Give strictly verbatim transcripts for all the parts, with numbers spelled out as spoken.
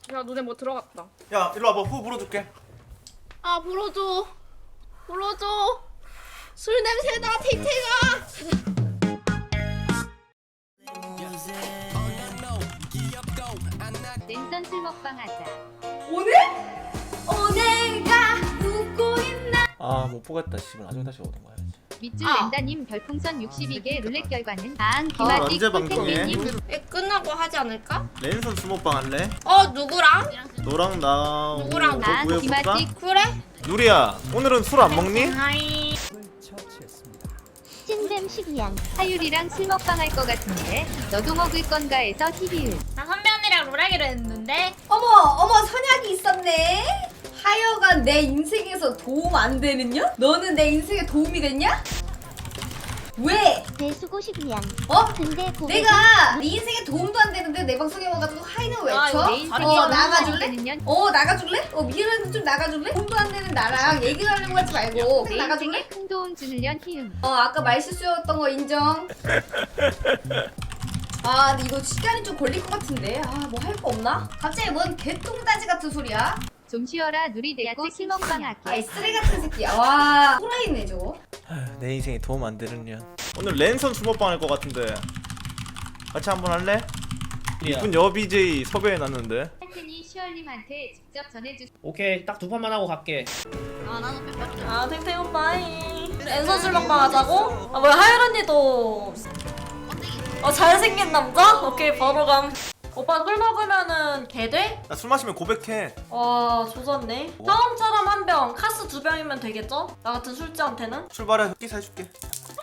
야 눈에 뭐 들어갔다. 야 일로 와봐. 후 불어줄게. 아 불어줘. 불어줘. 술 냄새나 탱탱아. 랜선 술 먹방 하자. 오늘? 오늘가 웃고 있나? 아 못 보겠다. 씨발 나중에 다시 오던가 해야지. 밑줄 아. 랜다님 별풍선 육십이 개 룰렛 결과는 방 아, 김아띠 언제 방송해? 꿀탱탱님 애 끝나고 하지 않을까? 랜선 수모빵 할래? 어 누구랑? 너랑 나 누구랑 오늘 나, 뭐 구해볼까? 김아띠. 그래? 누리야 오늘은 술 안 먹니? 하이. 찐댐 식이양 하율이랑 술 먹방 할 것 같은데 너도 먹을 건가 해서 티비율. 나 선배 언니랑 롤하기로 했는데. 어머 어머 선약이 있었네. 하여간 내 인생에서 도움 안 되는요? 너는 내 인생에 도움이 됐냐? 왜? 내 수고식이야. 어? 근데 고백 내가 네 인생에 도움도 안 되는데 내 방송에 와가지고 하이는 외쳐? 아, 내 인생에 어 도움 나가줄래? 안 되는 어 나가줄래? 어 미래는 좀 나가줄래? 도움도 안 되는 나랑 얘기를 하려고 하지 말고 내 그냥 나가줄래? 인생에 큰 도움 주는 년 희음. 어 아까 말실수였던 거 인정. 아 근데 이거 시간이 좀 걸릴 것 같은데 아 뭐 할 거 없나? 갑자기 뭔 개똥다지 같은 소리야? 좀 쉬어라 누리 대고 술 먹방 아이 할게. 쓰레기 같은 새끼야 와 호라이네 저거. 내 인생에 도움 안 되는 년. 오늘 랜선 수모빵 할 것 같은데 같이 한번 할래? 이쁜 여 비제이 섭외해놨는데. 팬이 시얼님한테 직접 전해주. 오케이 딱 두 판만 하고 갈게. 아 나도 몇 아 탱탱 오빠이 랜선 술 먹방 하자고? 아 뭐야 하율 언니도 어 잘생긴 남자? 오케이 바로 감. 오빠 술 먹으면은 개 돼? 나 술 마시면 고백해. 와 조졌네. 처음처럼 한 병, 카스 두 병이면 되겠죠? 나 같은 술지한테는? 출발해. 흑기 사줄게.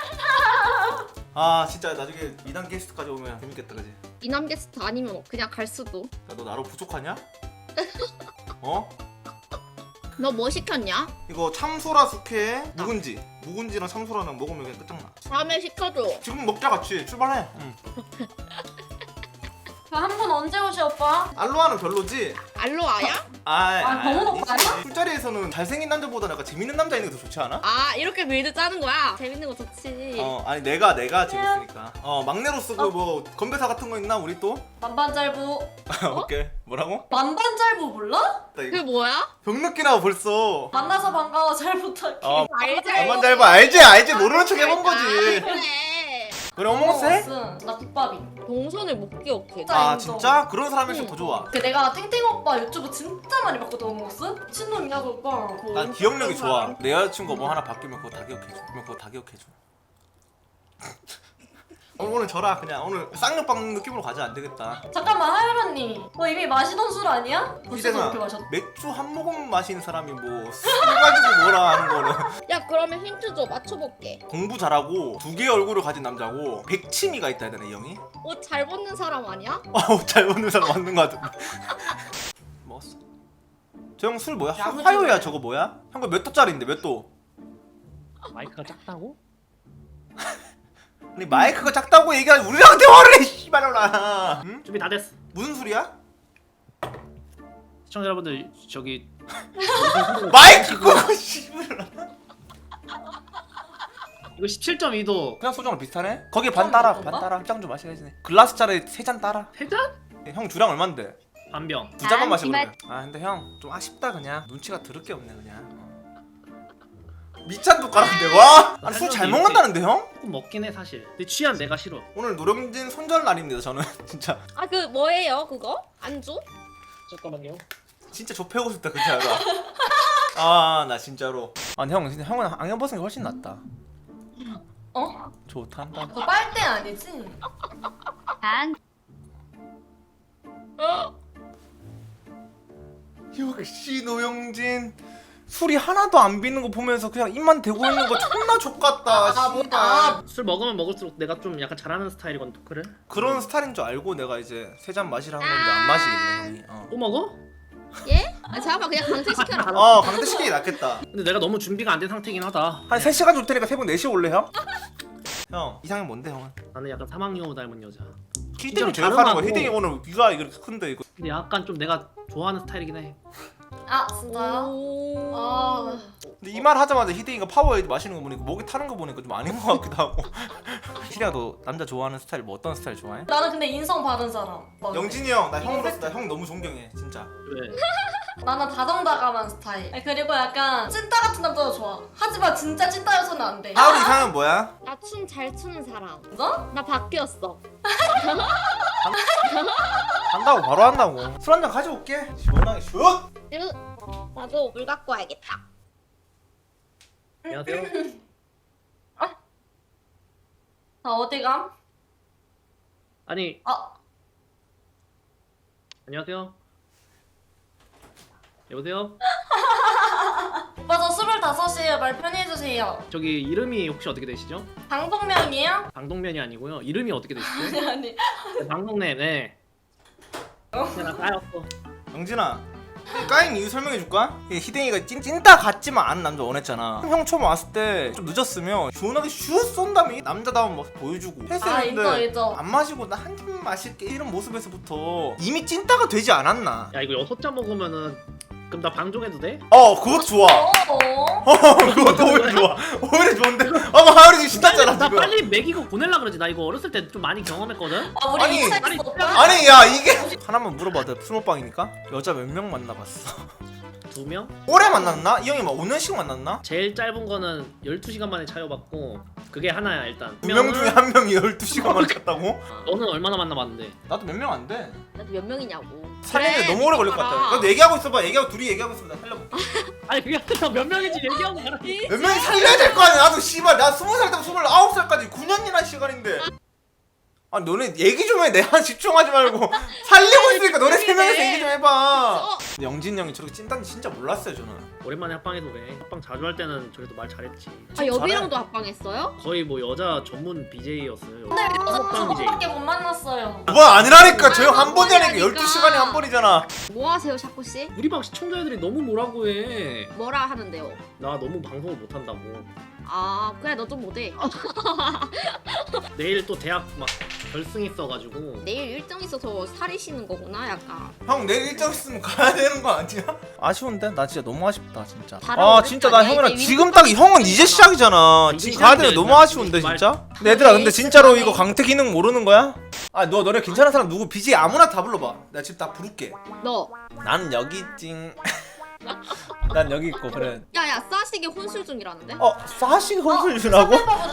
아 진짜 나중에 미남 게스트까지 오면 재밌겠다 그지? 이남 게스트 아니면 그냥 갈 수도. 야, 너 나로 부족하냐? 어? 너 뭐 시켰냐? 이거 참소라 숙회 묵은지 묵은지랑 참소라랑 먹으면 그냥 끝장나. 다음에 시켜줘. 지금 먹자 같이. 출발해. 응. 한 분 언제 오시 오빠? 알로하는 별로지? 알로아야? 아, 아, 병원 아니지. 오빠야? 술자리에서는 잘생긴 남자보다 약간 재밌는 남자 있는 게 더 좋지 않아? 아 이렇게 빌드 짜는 거야? 재밌는 거 좋지. 어 아니 내가 내가 재밌으니까. 어 막내로서 그 뭐 건배사 같은 거 있나 우리 또? 만반잘부. 오케이. 뭐라고? 만반잘부 몰라? 나 그게 이거 뭐야? 병 느끼나 벌써. 만나서 반가워 잘 부탁해. 어 알지? 엄만 잘 봐. 알지 알지 모르는 척 해본 거지. 그래. 그래 어머스 해? 나 국밥이. 동선을 못 기억해. 아 인정. 진짜? 그런 사람일수록 더 좋아. 그 내가 탱탱 오빠 유튜브 진짜 많이 봤거든 어머스? 미친놈이야 그 오빠. 난 기억력이 좋아. 내 여자친구 뭐 하나 바뀌면 그거 다 기억해줘. 그러면 그거 다 기억해줘. 어, 오늘 저라 그냥 오늘 쌍욕빵 느낌으로 가자. 안 되겠다. 잠깐만 하율 언니 너 이미 마시던 술 아니야? 벌써 희생아 그렇게 마셨. 맥주 한 모금 마시는 사람이 뭐 술 가지고 뭐라 하는 거는. 야 그러면 힌트 줘. 맞춰볼게. 공부 잘하고 두 개의 얼굴을 가진 남자고 백치미가 있다 해야 되나 이 형이? 옷 잘 벗는 사람 아니야? 아우 잘 먹는 사람 맞는 거 같은데. 먹었어. 저 형 술 뭐야? 화- 야무지네. 화요야 저거 뭐야? 형 거 몇 도짜리인데 몇 도? 마이크가 작다고? 아니 마이크가 작다고 얘기하지 우리랑 대화를 해 씨발로나. 응? 준비 다 됐어. 무슨 술이야? 시청자 여러분들 저기 마이크 끄고 씨발. 이거 십칠 점 이 도 그냥 소주랑 비슷하네? 거기 반 따라 반 따라 한 잔 좀 마시겠지. 글라스짜리 세 잔 따라. 세 잔? 형 주량 얼만데? 반병. 두 잔만 아, 마셔 기맛. 그러면. 아 근데 형 좀 아쉽다 그냥. 눈치가 더럽게 없네 그냥. 밑잔도 깔았는데 와? 아니 술 잘 먹는다는데 형? 조금 먹긴 해 사실. 근데 취한 내가 싫어. 오늘 노령진 손절 날입니다 저는. 진짜 아 그 뭐예요 그거? 안주? 잠깐만요. 진짜 좁혀고 싶다 그 자가. 아 나 진짜로. 아니 형 근데 형은 안경 벗은 게 훨씬 낫다. 어? 좋단다. 너 빨대 아니지? 방 역시 노영진. 술이 하나도 안 비는 거 보면서 그냥 입만 대고 있는 거 존나 족같다. 아, 뭐, 씨발. 아. 술 먹으면 먹을수록 내가 좀 약간 잘하는 스타일이건 토크를. 그런 스타일인 줄 알고 내가 이제 세 잔 마시라는 건데 안 마시겠네 형이. 어, 또 먹어? 예? 아 잠깐만 그냥 강퇴시켜라. 어 강대시키는 게 낫겠다. 근데 내가 너무 준비가 안 된 상태긴 하다. 한 세 시간 줄 테니까 새벽 네 시에 올래 형? 형 이상형 뭔데 형은? 나는 약간 사망여우 닮은 여자. 히딩이 진짜로 제압하는 거야. 자름하고. 히딩이 오늘 귀가 이렇게 큰데 이거. 근데 약간 좀 내가 좋아하는 스타일이긴 해. 아 진짜요? 오. 아. 근데 이 말 하자마자 희댕이가 파워에이드 마시는 거 보니까 목이 타는 거 보니까 좀 아닌 것 같기도 하고. 희댕아 너 남자 좋아하는 스타일 뭐 어떤 스타일 좋아해? 나는 근데 인성 바른 사람. 막 영진이 형 나 형으로서 나 형 너무 존경해 진짜. 왜? 나는 다정다감한 스타일. 아니, 그리고 약간 찐따 같은 남자도 좋아. 하지만 진짜 찐따여서는 안 돼. 하울이 이상은 뭐야? 나 춤 잘 추는 사람. 진짜? 나 바뀌었어. 한다고 바로 한다고. 술 한잔 가져올게. 시원하게 슛. 으, 나도 물 갖고 와야겠다. 안녕하세요. 나 어디 감? 아니 아, 안녕하세요. 여보세요? 오빠 저 스물다섯이에요. 말 편히 해주세요. 저기 이름이 혹시 어떻게 되시죠? 방송명이에요? 방동면이 아니고요. 이름이 어떻게 되시죠? 아니 아니. 네, 방동님. 네. 그냥 나 까였어. 영진아 까인 이유 설명해 줄까? 희댕이가 찐, 찐따 같지만 않은 남자 원했잖아. 형 처음 왔을 때 좀 늦었으면 시원하게 슛 쏜 다음에 남자다운 모습 보여주고 아 인정 했었는데 인정. 안 마시고 나 한 잔 마실게 이런 모습에서부터 이미 찐따가 되지 않았나? 야 이거 여섯 잔 먹으면은 그럼 나 방종해도 돼? 어 그거 좋아. 어. 어 그것도 오히려 좋아. 오히려 좋은데? 어머 하울이 지금 신났잖아 나 지금. 빨리 먹이고 보내려 그러지. 나 이거 어렸을 때 좀 많이 경험했거든. 아 우리 아니, 이차 아니, 있어 오빠? 아니 야 이게 하나만 물어봐. 내가 스모빵이니까 여자 몇 명 만나봤어? 두 명? 오래 만났나? 이 형이 막 오 년씩 만났나? 제일 짧은 거는 열두 시간 만에 차여봤고 그게 하나야 일단. 두 명 중에 한 명이 열두 시간만 갔다고? 너는 얼마나 만나봤는데? 나도 몇 명 안 돼. 나도 몇 명이냐고. 살리는데 그래, 너무 오래 걸릴 것 봐라. 같아. 너 얘기하고 있어봐. 얘기하고 둘이 얘기하고 있어. 나 살려볼게. 아니 그게 아니라 몇 명인지 얘기하고 가라. 몇 명이 살려야 될 거 아니야. 나도 씨발 나 스무 살 때부터 스물아홉 살까지 구 년이나 시간인데. 아 너네 얘기 좀 해. 내한 집중하지 말고 살리고 있으니까 너네 세 명이서 얘기 좀 해봐. 근데 영진 형이 저렇게 찐딴지 진짜 몰랐어요 저는. 오랜만에 합방해서 그래. 합방 자주 할 때는 저래도 말 잘했지. 아 여비랑도 합방했어요? 거의 뭐 여자 전문 비제이였어요. 근데 저 합방 비제이. 저밖에 못 만났어요. 뭐 아니라니까. 저 형 아, 한 번이 아니니까 한 번이라니까. 열두 시간에 한 번이잖아. 뭐 하세요 샤코 씨? 우리 방 시청자들이 너무 뭐라고 해. 뭐라 하는데요? 나 너무 방송을 못한다고. 아 그래 너 좀 못해. 내일 또 대학 막 결승 있어가지고. 내일 일정 있어서 살이시는 거구나 약간. 형 내일 일정 있으면 가야 되는 거 아니야? 아쉬운데? 나 진짜 너무 아쉽다 진짜. 다른 아 어렵지 진짜 나 않냐? 형이랑 이제 지금 딱 형은 이제 시작이잖아. 이제 지금 가야 되는 시작이야, 너무 이제. 아쉬운데 말- 진짜? 근데 얘들아 근데 진짜로 시작하네. 이거 강태 기능 모르는 거야? 아 너 너네 괜찮은 사람 누구 비지 아무나 다 불러봐. 나 지금 다 부를게. 너. 나는 여기 찡. 난 여기 있고 그래. 야야 싸시게 혼술 중이라는데? 어 사식 혼술 주라고?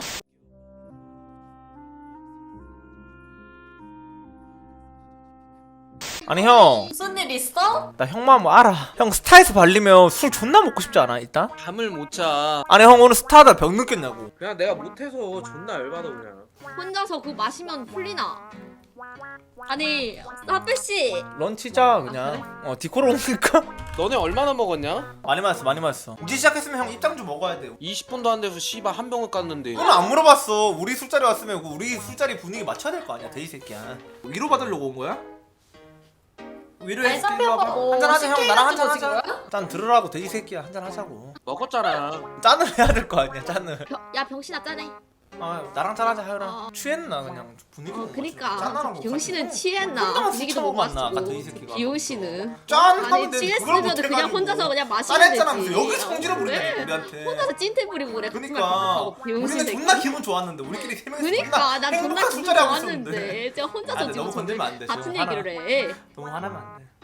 아니 형. 무슨 일 있어? 나 형 마음 알아. 형 스타에서 발리면 술 존나 먹고 싶지 않아 이따? 잠을 못 자. 아니 형 오늘 스타다 병 느꼈냐고. 그냥 내가 못해서 존나 열받아 그냥. 혼자서 그거 마시면 풀리나? 아니 사페 씨. 런치자 그냥. 어 디코로 옮길까? 너네 얼마나 먹었냐? 많이 마셨어 많이 마셨어. 이제 시작했으면 형 입장 좀 먹어야 돼요. 이십 분도 안 돼서 씨발 한 병을 깠는데. 그건 안 물어봤어. 우리 술자리 왔으면 그 우리 술자리 분위기 맞춰야 될 거 아니야 돼지 새끼야. 위로 받으려고 온 거야? 위로해 아니 줄게. 선배 일로 오빠 와봐. 뭐 한잔 하자 형. 나랑 한잔 식혜 같은 거 하자. 찍은 거야? 짠 들으라고 돼지 새끼야. 한잔 하자고. 먹었잖아. 짠을 해야 될 거 아니야 짠을. 병, 야 병신아 짜네. 아 나랑 짠하자 하여라. 어. 취했나 그냥 분위기. 어 못 그니까 맞춰. 짠하라고 병신은 가지고. 취했나? 혼자만 분위기도 술 못 처먹었나, 아까 맞추고. 돼지 새끼가. 비오씨는. 짠 아니 하면 되는데 그걸 취했으면 못해가지고. 그냥 혼자서 그냥 마시면 되지. 짠했잖아. 여기 성질을 부리네 그래. 우리한테. 혼자서 찐태 부리고 그래. 그러니까 우리는 존나 기분 좋았는데 우리끼리 세 명이서 그니까 난 존나 행복한 기분 술자리 하고 있었는데. 좋았는데 진짜 아, 혼자서 근데 지금 너무 건들면 안 돼. 같은 지금 얘기를 해. 너무 화나면 안 돼.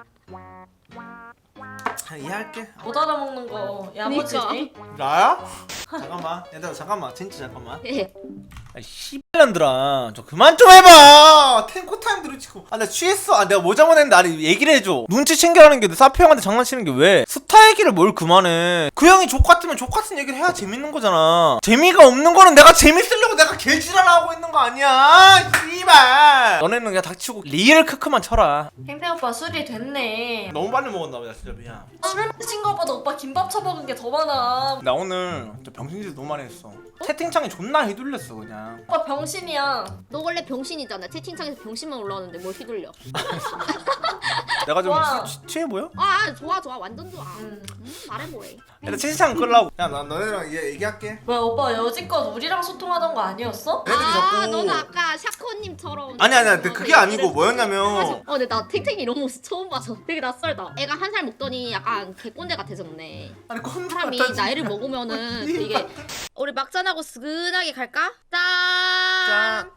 아, 이해할게. 못 알아먹는 거 야무지지? 나야? 잠깐만. 얘들아 잠깐만. 진짜 잠깐만. 예. 아 씨발년들아 저 그만 좀 해봐. 탱코 타임 들으치고. 아 나 취했어. 아 내가 뭐 잘못했는데 아니 얘기를 해줘. 눈치 챙겨라는 게 사표 형한테 장난치는 게 왜? 스타 얘기를 뭘 그만해. 그 형이 족같으면 족같은 얘기를 해야 재밌는 거잖아. 재미가 없는 거는 내가 재밌으려고 내가 개지랄하고 있는 거 아니야. 씨발. 너네는 그냥 닥치고 리얼 크크만 쳐라. 탱탱 오빠 술이 됐네. 너무 빨리 먹었나 보다 진짜 미안. 술 마신 거보다 오빠 김밥 처먹은 게 더 많아. 나 오늘 진짜 병신짓 너무 많이 했어. 채팅창에 존나 휘둘렸어 그냥. 오빠 병신이야. 너 원래 병신이잖아. 채팅창에서 병신만 올라오는데 뭘 휘둘려? 내가 좀 좋아. 취- 취해 보여? 아 좋아 좋아 완전 좋아. 음. 음, 말해보래. 일단 채팅창 끌라고. 야, 나 너네랑 얘 얘기할게. 왜 오빠 여지껏 우리랑 소통하던 거 아니었어? 애들이 아 자꾸 너는 아까 샤코님처럼. 아니 아니야. 근데 그게 아니고 뭐였냐면 어 근데 나 탱탱이 이런 모습 처음 봐서 되게 낯설다. 애가 한 살 먹더니 약간 개꼰대 같아졌네. 아니 콘 사람이 나이를 먹으면은 되게 우리 막잔하고 스근하게 갈까? 짠.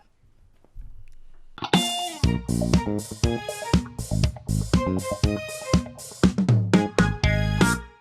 짠.